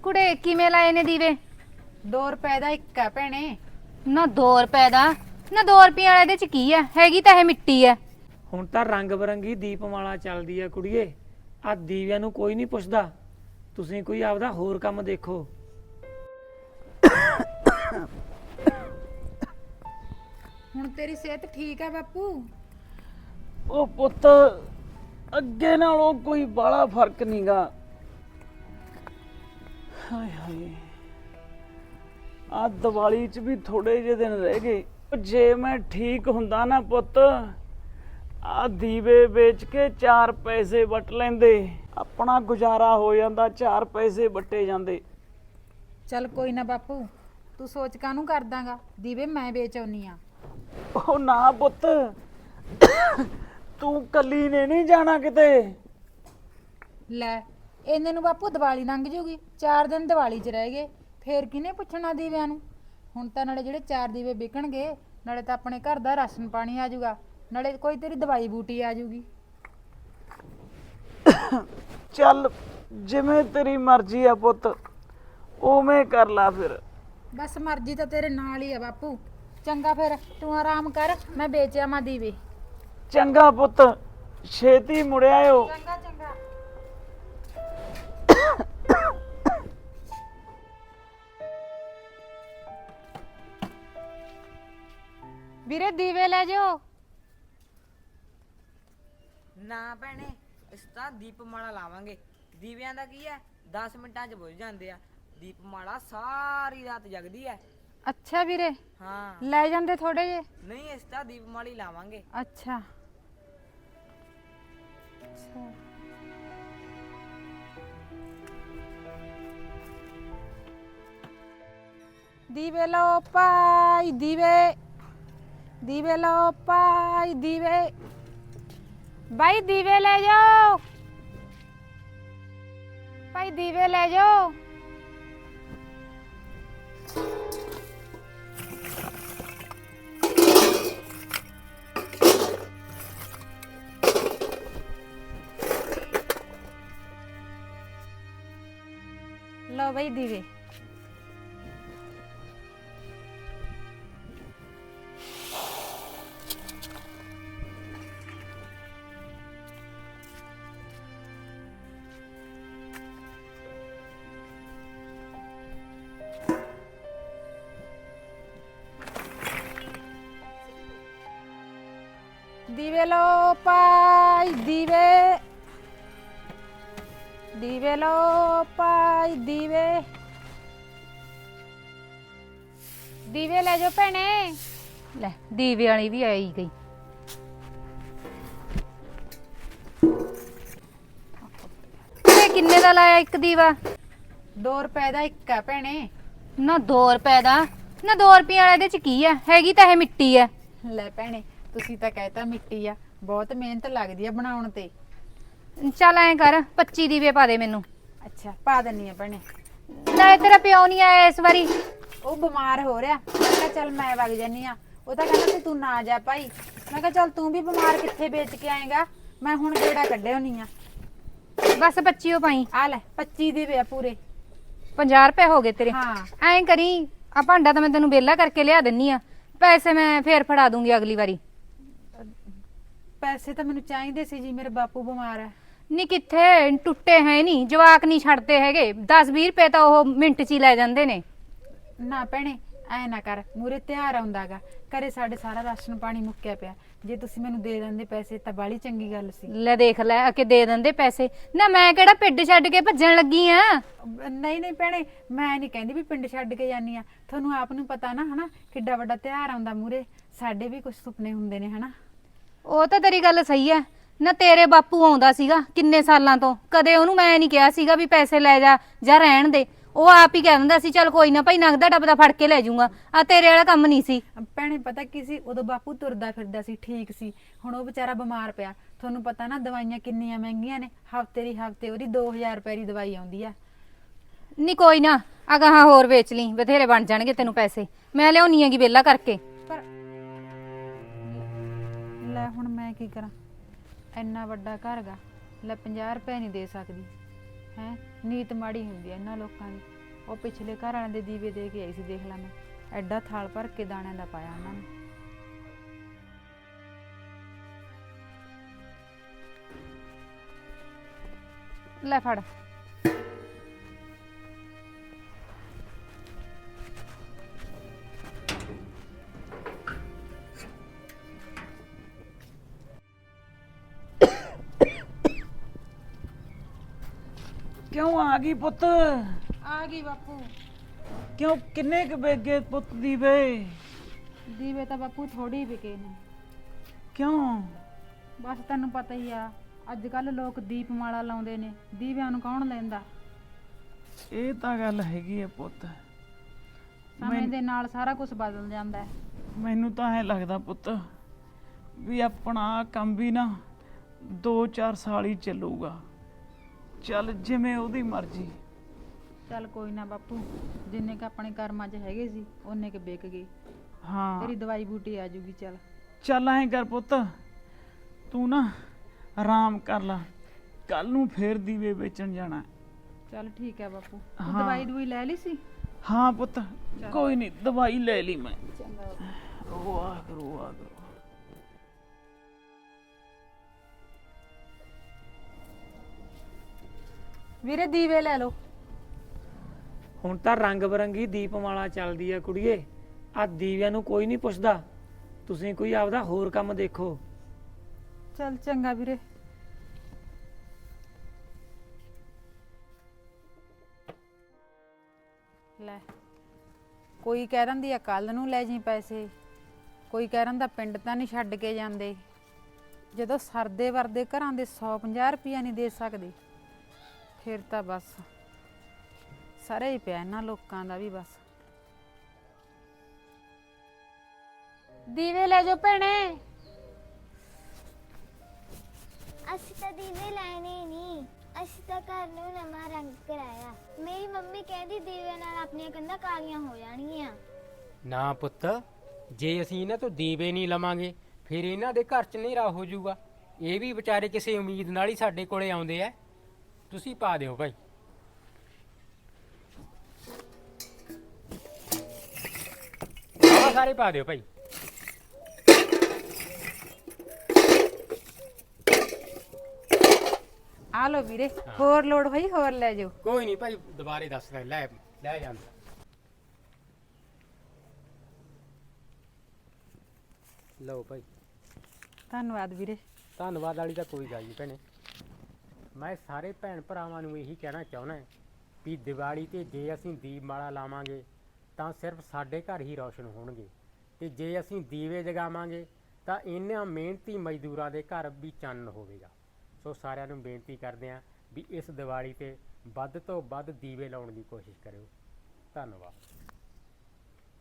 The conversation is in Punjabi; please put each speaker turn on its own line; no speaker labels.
ਕੁੜੇ ਕਿਵੇਂ ਲਾਏ ਨੇ ਦੀਵੇ?
2 ਰੁਪਏ ਦਾ ਇੱਕ ਆ ਭੈਣੇ।
ਨਾ 2 ਰੁਪਏ ਦਾ? ਨਾ 2 ਰੁਪਏ ਵਾਲੇ ਦੇ ਚ ਕੀ ਹੈ? ਹੈਗੀ ਤਾਂ ਇਹ ਮਿੱਟੀ ਹੈ।
ਹੁਣ ਤਾਂ ਰੰਗ ਬਰੰਗੀ ਦੀਪਮਾਲਾ ਚੱਲਦੀ ਆ ਕੁੜੀਏ। ਆ ਦੀਵਿਆਂ ਨੂੰ ਕੋਈ ਨਹੀਂ ਪੁੱਛਦਾ। ਤੁਸੀਂ ਕੋਈ ਆਪਦਾ ਹੋਰ ਕੰਮ ਦੇਖੋ।
ਹੁਣ ਤੇਰੀ ਸਿਹਤ ਠੀਕ ਆ ਬਾਪੂ?
ਉਹ ਪੁੱਤ ਅੱਗੇ ਨਾਲੋਂ ਕੋਈ ਬਾਹਲਾ ਫਰਕ ਨਹੀਂਗਾ। ਹਾਏ ਹਾਏ, ਆ ਦੀਵਾਲੀ 'ਚ ਵੀ ਥੋੜੇ ਜਿਹੇ ਦਿਨ ਰਹਿ ਗਏ। ਜੇ ਮੈਂ ਠੀਕ ਹੁੰਦਾ ਨਾ ਪੁੱਤ, ਆ ਦੀਵੇ ਵੇਚ ਕੇ 4 ਪੈਸੇ ਵਟ ਲੈਂਦੇ, ਆਪਣਾ ਗੁਜ਼ਾਰਾ ਹੋ ਜਾਂਦਾ, 4 ਪੈਸੇ ਵਟੇ ਜਾਂਦੇ।
ਚੱਲ ਕੋਈ ਨਾ ਬਾਪੂ, ਤੂੰ ਸੋਚ ਕਾਹਨੂੰ ਕਰਦਾਂਗਾ? ਦੀਵੇ ਮੈਂ ਵੇਚ ਆਉਣੀ ਆ।
ਉਹ ਨਾ ਪੁੱਤ, ਤੂੰ ਕੱਲੀ ਨੇ ਨਹੀਂ ਜਾਣਾ ਕਿਤੇ।
ਲੈ ਇਹਨੇ ਨੂੰ ਬਾਪੂ ਦੀਵਾਲੀ ਲੰਘ ਜੂਗੀ, 4 ਦਿਨ ਦੀਵਾਲੀ 'ਚ ਰਹਿ ਗਏ, ਫੇਰ ਕਿਹਨੇ ਪੁੱਛਣਾ ਦੀਵਿਆਂ ਨੂੰ? ਹੁਣ ਤਾਂ ਨਾਲੇ ਜਿਹੜੇ 4 ਦੀਵੇ ਵਿਕਣਗੇ, ਨਾਲੇ ਤਾਂ ਆਪਣੇ ਘਰ ਦਾ ਰਾਸ਼ਨ ਪਾਣੀ ਆ ਜਾਊਗਾ, ਨਾਲੇ ਕੋਈ ਤੇਰੀ ਦਵਾਈ ਬੂਟੀ ਆ ਜਾਊਗੀ।
ਚੱਲ ਜਿਵੇਂ ਤੇਰੀ ਮਰਜ਼ੀ ਆ ਪੁੱਤ, ਉਵੇਂ ਕਰ ਲਾ ਫਿਰ।
ਬਸ ਮਰਜ਼ੀ ਤਾਂ ਤੇਰੇ ਨਾਲ ਹੀ ਆ ਬਾਪੂ। ਚੰਗਾ ਫਿਰ ਤੂੰ ਆਰਾਮ ਕਰ, ਮੈਂ ਵੇਚ ਆਵਾਂ ਦੀਵੇ।
ਚੰਗਾ ਪੁੱਤ, ਛੇਤੀ ਮੁੜ ਆਇਓ।
ਚੰਗਾ ਚੰਗਾ। ਵੀਰੇ ਦੀਵੇ ਲੈ ਜਾਓ।
ਨਾ ਭੈਣੇ, ਇਸ ਤਾਂ ਦੀਪਮਾਲਾ ਲਾਵਾਂਗੇ। ਦੀਵਿਆਂ ਦਾ ਕੀ ਹੈ, 10 ਮਿੰਟਾਂ 'ਚ ਬੁਝ ਜਾਂਦੇ ਆ। ਦੀਪਮਾਲਾ ਸਾਰੀ ਰਾਤ ਜਗਦੀ ਹੈ।
ਅੱਛਾ ਵੀਰੇ,
ਹਾਂ
ਲੈ ਜਾਂਦੇ ਥੋੜੇ ਜੇ।
ਨਹੀਂ, ਇਸ ਤਾਂ ਦੀਪਮਾਲਾ ਹੀ ਲਾਵਾਂਗੇ।
ਅੱਛਾ ਦੀਵੇ ਲਓ ਭਾਈ ਦੀਵੇ, ਦੀਵੇ ਲਓ ਭਾਈ ਦੀਵੇ। ਭਾਈ ਦੀਵੇ ਲੈ ਜਾਓ, ਭਾਈ ਦੀਵੇ ਲੈ ਜਾਓ। लो भाई दीवे। दीवे लो पाई दीवे, दीवे लो पाई दीवे। दीवे ले जाओ भैने।
ਲੈ ਦੀਵੇ ਵਾਲੀ ਵੀ ਆਈ ਗਈ। ਇਹ ਕਿੰਨੇ ਦਾ ਲਾਇਆ ਇੱਕ ਦੀਵਾ?
2 ਰੁਪਏ ਦਾ ਇੱਕ ਆ ਭੈਣੇ।
ਨਾ 2 ਰੁਪਏ ਦਾ? ਨਾ 2 ਰੁਪਏ ਵਾਲੇ ਦੇ ਚ ਕੀ ਹੈ? ਹੈਗੀ ਤਾਂ ਇਹ ਮਿੱਟੀ ਹੈ।
ਲੈ ਭੈਣੇ, ਤੁਸੀਂ ਤਾਂ ਕਹਿਤਾ ਮਿੱਟੀ ਆ, ਬਹੁਤ ਮਿਹਨਤ ਲੱਗਦੀ ਆ ਬਣਾਉਣ ਤੇ।
ਚੱਲ ਐਂ ਕਰ 25 ਦੀਵੇ ਪਾ ਦੇ ਮੈਨੂੰ।
ਅੱਛਾ ਪਾ ਦਿੰਨੀ ਆ ਭੈਣੇ।
ਨਾਲੇ ਤੇਰਾ ਪਿਓ ਨਹੀਂ ਆਇਆ ਇਸ ਵਾਰੀ?
ਉਹ ਬਿਮਾਰ ਹੋ ਰਿਹਾ, ਮੈਂ ਕਿਹਾ ਚੱਲ ਮੈਂ ਵਗ ਜਾਨੀ ਆ। ਉਹ ਤਾਂ ਕਹਿੰਦਾ ਸੀ ਤੂੰ ਨਾ ਜਾ ਭਾਈ। ਮੈਂ ਕਿਹਾ ਚੱਲ ਤੂੰ ਵੀ ਬਿਮਾਰ ਕਿੱਥੇ ਵੇਚ ਕੇ ਆਏਗਾ, ਮੈਂ ਹੁਣ ਕਿਹੜਾ ਕੱਢੇ ਹੋਣੀ ਆ।
ਬਸ 25 ਓ ਪਾਈ।
ਆ ਲੈ 25 ਦੀਵੇ ਆ ਪੂਰੇ।
50 ਰੁਪਏ ਹੋ ਗਏ ਤੇਰੇ।
ਹਾਂ
ਐਂ ਕਰੀ ਆ ਭਾਂਡਾ ਤਾਂ ਮੈਂ ਤੈਨੂੰ ਵਿਹਲਾ ਕਰਕੇ ਲਿਆ ਦਿੰਨੀ ਆ, ਪੈਸੇ ਮੈਂ ਫੇਰ ਫੜਾ ਦੂੰਗੀ ਅਗਲੀ ਵਾਰੀ।
ਪੈਸੇ ਤਾਂ ਮੈਨੂੰ ਚਾਹੀਦੇ ਸੀ ਜੀ, ਮੇਰੇ ਬਾਪੂ ਬਿਮਾਰ ਹੈ।
ਨਹੀਂ ਕਿੱਥੇ ਟੁੱਟੇ ਹੈ ਨਹੀਂ, ਜਵਾਕ ਨਹੀਂ ਛੱਡਦੇ ਹੈਗੇ। 10-20 ਰੁਪਏ ਤਾਂ ਉਹ ਮਿੰਟ 'ਚ ਹੀ ਲੈ ਜਾਂਦੇ ਨੇ।
ਨਾ ਭੈਣੇ ਐ ਨਾ ਕਰ, ਮੂਰੇ ਤਿਉਹਾਰ ਆਉਂਦਾਗਾ, ਘਰੇ ਸਾਡੇ ਸਾਰਾ ਰਾਸ਼ਨ ਪਾਣੀ ਮੁੱਕਿਆ ਪਿਆ। ਜੇ ਤੁਸੀਂ ਮੈਨੂੰ ਦੇ ਦਿੰਦੇ ਪੈਸੇ ਤਾਂ ਬਾਲੀ ਚੰਗੀ ਗੱਲ ਸੀ।
ਲੈ ਦੇਖ ਲੈ ਆ ਕੇ ਦੇ ਦਿੰਦੇ ਪੈਸੇ। ਨਾ ਮੈਂ ਕਿਹੜਾ ਪਿੰਡ ਛੱਡ ਕੇ ਭੱਜਣ ਲੱਗੀ ਆ।
ਨਹੀਂ ਨਹੀਂ ਭੈਣੇ, ਮੈਂ ਨਹੀਂ ਕਹਿੰਦੀ ਵੀ ਪਿੰਡ ਛੱਡ ਕੇ ਜਾਨੀ ਆ। ਤੁਹਾਨੂੰ ਆਪ ਨੂੰ ਪਤਾ ਨਾ ਹਨਾ, ਕਿੱਡਾ ਵੱਡਾ ਤਿਉਹਾਰ ਆਉਂਦਾ ਮੂਰੇ। ਸਾਡੇ ਵੀ ਕੁਝ ਸੁਪਨੇ ਹੁੰਦੇ ਨੇ ਹਨਾ।
ਉਹ ਤਾਂ ਤੇਰੀ ਗੱਲ ਸਹੀ ਹੈ। ਨਾ ਤੇਰੇ ਬਾਪੂ ਆਉਂਦਾ ਸੀਗਾ ਕਿੰਨੇ ਸਾਲਾਂ ਤੋਂ, ਕਦੇ ਉਹਨੂੰ ਮੈਂ ਨਹੀਂ ਕਿਹਾ ਸੀਗਾ ਵੀ ਪੈਸੇ ਲੈ ਜਾ ਜਾਂ ਰਹਿਣ ਦੇ। ਉਹ ਆਪ ਹੀ ਕਹਿ ਦਿੰਦਾ ਸੀ ਚੱਲ ਕੋਈ ਨਾ ਭਾਈ, ਨਗਦਾ ਡੱਬਦਾ ਫੜ ਕੇ ਲੈ ਜਾਊਗਾ। ਆ ਤੇਰੇ ਵਾਲਾ ਕੰਮ ਨਹੀਂ ਸੀ।
ਭੈਣੇ ਪਤਾ ਕੀ ਸੀ, ਉਦੋਂ ਬਾਪੂ ਤੁਰਦਾ ਫਿਰਦਾ ਸੀ, ਠੀਕ ਸੀ। ਹੁਣ ਉਹ ਵਿਚਾਰਾ ਬਿਮਾਰ ਪਿਆ। ਤੁਹਾਨੂੰ ਪਤਾ ਨਾ ਦਵਾਈਆਂ ਕਿੰਨੀਆਂ ਮਹਿੰਗੀਆਂ ਨੇ। ਹਫਤੇ ਦੀ ਹਫਤੇ ਉਹਦੀ 2000 ਰੁਪਏ ਦੀ ਦਵਾਈ ਆਉਂਦੀ ਆ।
ਨਹੀਂ ਕੋਈ ਨਾ, ਅਗਾਹਾਂ ਹੋਰ ਵੇਚ ਲਈ, ਬਥੇਰੇ ਬਣ ਜਾਣਗੇ ਤੈਨੂੰ ਪੈਸੇ। ਮੈਂ ਲਿਆਉਣੀ ਹੈਗੀ ਵਿਹਲਾ ਕਰਕੇ।
ਪਰ ਲੈ ਹੁਣ ਮੈਂ ਕੀ ਕਰਾਂ, ਇੰਨਾ ਵੱਡਾ ਘਰ ਗਾ, ਲੈ 50 ਰੁਪਏ ਨਹੀਂ ਦੇ ਸਕਦੀ ਹੈ। ਨੀਤ ਮਾੜੀ ਹੁੰਦੀ ਹੈ ਇਹਨਾਂ ਲੋਕਾਂ ਦੀ। ਉਹ ਪਿਛਲੇ ਘਰ ਵਾਲਿਆਂ ਦੇ ਦੀਵੇ ਦੇ ਕੇ ਆਈ ਸੀ, ਦੇਖ ਲੈ ਮੈਂ ਐਡਾ ਥਾਲ ਭਰ ਕੇ ਦਾਣਿਆਂ ਦਾ ਪਾਇਆ ਉਹਨਾਂ ਨੇ।
ਲੈ ਫੜ।
ਕਿਉਂ ਆ ਗਈ ਪੁੱਤ?
ਆ ਗਈ ਬਾਪੂ।
ਕਿਉਂ ਕਿੰਨੇ ਕੁ ਵੇਗੇ ਪੁੱਤ ਦੀਵੇ?
ਦੀਵੇ ਤਾਂ ਬਾਪੂ ਥੋੜੀ ਵਿਕੇ ਨੇ।
ਕਿਉਂ?
ਬਸ ਤੈਨੂੰ ਪਤਾ ਹੀ ਆ, ਅੱਜ ਕੱਲ ਲੋਕ ਦੀਪਮਾਲਾ ਲਾਉਂਦੇ ਨੇ, ਦੀਵਿਆਂ ਨੂੰ ਕੌਣ ਲੈਂਦਾ।
ਇਹ ਤਾਂ ਗੱਲ ਹੈਗੀ ਹੈ ਪੁੱਤ।
ਸਮੇਂ ਦੇ ਨਾਲ ਸਾਰਾ ਕੁਝ ਬਦਲ ਜਾਂਦਾ ਹੈ।
ਮੈਨੂੰ ਤਾਂ ਐ ਲੱਗਦਾ ਪੁੱਤ ਵੀ ਆਪਣਾ ਆਹ ਕੰਮ ਵੀ ਨਾ 2-4 ਸਾਲ ਹੀ ਚੱਲੂਗਾ। ਚੱਲ ਜਿਵੇਂ ਉਹਦੀ ਮਰਜ਼ੀ।
ਚੱਲ ਕੋਈ ਨਾ ਬਾਪੂ, ਜਿੰਨੇ ਕ ਆਪਣੇ ਕਰਮਾਂ 'ਚ ਹੈਗੇ ਸੀ ਓਨੇ ਕ ਵਿਕ ਗਏ।
ਹਾਂ
ਤੇਰੀ ਦਵਾਈ ਬੂਟੀ ਆ ਜੂਗੀ। ਚੱਲ
ਚੱਲ ਐਂ ਕਰ ਪੁੱਤ, ਤੂੰ ਨਾ ਆਰਾਮ ਕਰ ਲੈ, ਕੱਲ ਨੂੰ ਫੇਰ ਦੀਵੇ ਵੇਚਣ ਜਾਣਾ।
ਚੱਲ ਠੀਕ ਹੈ ਬਾਪੂ। ਤੂੰ
ਹਾਂ।
ਦਵਾਈ ਦਵਾਈ ਲੈ ਲਈ ਸੀ?
ਹਾਂ ਪੁੱਤ, ਕੋਈ ਨਹੀਂ, ਦਵਾਈ ਲੈ ਲਈ ਮੈਂ।
ਚੰਗਾ ਬਾਪੂ।
ਵਾਹ ਕਰੋ ਵਾਹ ਕਰੋ।
ਵੀਰੇ ਦੀਵੇ ਲੈ ਲਓ।
ਹੁਣ ਤਾਂ ਰੰਗ ਬਰੰਗੀ ਦੀਪਮਾਲਾ ਚੱਲਦੀ ਆ ਕੁੜੀਏ, ਆ ਦੀਵਿਆਂ ਨੂੰ ਕੋਈ ਨਹੀਂ ਪੁੱਛਦਾ। ਤੁਸੀਂ ਕੋਈ ਆਪਦਾ ਹੋਰ ਕੰਮ ਦੇਖੋ।
ਚੱਲ ਚੰਗਾ ਵੀਰੇ। ਲੈ, ਕੋਈ ਕਹਿ ਦਿੰਦੀ ਆ ਕੱਲ ਨੂੰ ਲੈ ਜੀ ਪੈਸੇ, ਕੋਈ ਕਹਿ ਦਿੰਦਾ ਪਿੰਡ ਤਾਂ ਨਹੀਂ ਛੱਡ ਕੇ ਜਾਂਦੇ। ਜਦੋਂ ਸਰਦੇ ਵਰਦੇ ਘਰਾਂ ਦੇ 150 ਰੁਪਈਆ ਨਹੀਂ ਦੇ ਸਕਦੇ, ਫਿਰ ਤਾਂ ਬਸ ਸਾਰੇ ਹੀ ਪਿਆ ਇਹਨਾਂ ਲੋਕਾਂ ਦਾ ਵੀ। ਬਸ
ਦੀਵੇ ਲੈ ਜਾਓ ਭੈਣੇ।
ਅਸੀਂ ਤਾਂ ਦੀਵੇ ਲੈਣੇ ਨਹੀਂ, ਅਸੀਂ ਤਾਂ ਘਰ ਨੂੰ ਨਵਾਂ ਰੰਗ ਕਰਾਇਆ। ਮੇਰੀ ਮੰਮੀ ਕਹਿੰਦੀ ਦੀਵੇ ਨਾਲ ਆਪਣੀਆਂ ਕੰਧਾਂ ਕਾਲੀਆਂ ਹੋ ਜਾਣਗੀਆਂ।
ਨਾ ਪੁੱਤ, ਜੇ ਅਸੀਂ ਇਹਨਾਂ ਤੋਂ ਦੀਵੇ ਨਹੀਂ ਲਵਾਂਗੇ ਫਿਰ ਇਹਨਾਂ ਦੇ ਘਰ 'ਚ ਹਨੇਰਾ ਹੋ ਜਾਊਗਾ। ਇਹ ਵੀ ਵਿਚਾਰੇ ਕਿਸੇ ਉਮੀਦ ਨਾਲ ਹੀ ਸਾਡੇ ਕੋਲੇ ਆਉਂਦੇ ਆ। ਤੁਸੀਂ ਪਾ ਦਿਓ ਭਾਈ। ਆਹ ਸਾਰੇ ਪਾ ਦਿਓ ਭਾਈ।
ਆ ਲਓ ਵੀਰੇ, ਹੋਰ ਲੋੜ ਹੋਈ ਹੋਰ ਲੈ ਜਾਓ।
ਕੋਈ ਨਹੀਂ ਭਾਈ, ਦੁਬਾਰੇ ਦੱਸ ਲੈ ਲੈ ਜਾਂਦਾ। ਲਓ ਭਾਈ।
ਧੰਨਵਾਦ ਵੀਰੇ।
ਧੰਨਵਾਦ ਵਾਲੀ ਤਾਂ ਕੋਈ ਗੱਲ ਨਹੀਂ ਭੈਣੇ। ਮੈਂ ਸਾਰੇ ਭੈਣ ਭਰਾਵਾਂ ਨੂੰ ਇਹੀ ਕਹਿਣਾ ਚਾਹੁੰਦਾ ਵੀ ਦੀਵਾਲੀ ਤੇ ਜੇ ਅਸੀਂ ਦੀਪਮਾਲਾ ਲਾਵਾਂਗੇ ਤਾਂ ਸਿਰਫ ਸਾਡੇ ਘਰ ਹੀ ਰੌਸ਼ਨ ਹੋਣਗੇ, ਤੇ ਜੇ ਅਸੀਂ ਦੀਵੇ ਜਗਾਵਾਂਗੇ ਤਾਂ ਇਹਨਾਂ ਮਿਹਨਤੀ ਮਜ਼ਦੂਰਾਂ ਦੇ ਘਰ ਵੀ ਚਾਨਣ ਹੋਵੇਗਾ। ਸੋ ਸਾਰਿਆਂ ਨੂੰ ਬੇਨਤੀ ਕਰਦੇ ਹਾਂ ਵੀ ਇਸ ਦੀਵਾਲੀ ਤੇ ਵੱਧ ਤੋਂ ਵੱਧ ਦੀਵੇ ਲਾਉਣ ਦੀ ਕੋਸ਼ਿਸ਼ ਕਰਿਓ। ਧੰਨਵਾਦ।